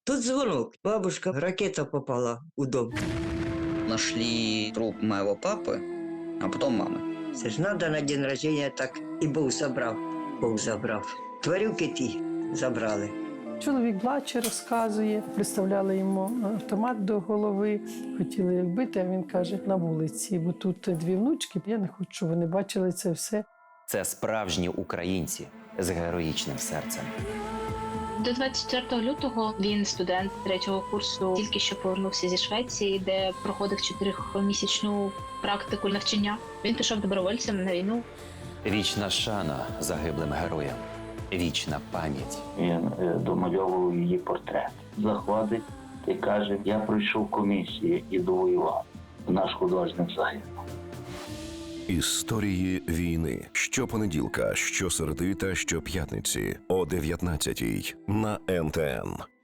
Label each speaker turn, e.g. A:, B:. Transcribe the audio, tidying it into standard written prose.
A: Тут звонок. Бабушка, ракета попала у дом.
B: Нашли труп моего папы, а потом мамы.
A: Це ж надо на день рождения так і Бог забрав. Бог забрав. Тварюки ті забрали.
C: Чоловік плаче, розказує, приставляли йому автомат до голови, хотіли як бити, а він каже, на вулиці, бо тут дві внучки, я не хочу, щоб вони бачили це все.
D: Це справжні українці з героїчним серцем.
E: До 24 лютого він студент 3-го курсу, тільки що повернувся зі Швеції, де проходив 4-місячну практику навчання. Він пішов добровольцем на війну.
D: Вічна шана загиблим героям. Вічна пам'ять.
F: Він домальовував її портрет. Заходить і каже, я пройшов комісію і довоював. Наш художник загинув.
G: Історії війни. Щопонеділка, щосереди та щоп'ятниці о 19-й на НТН.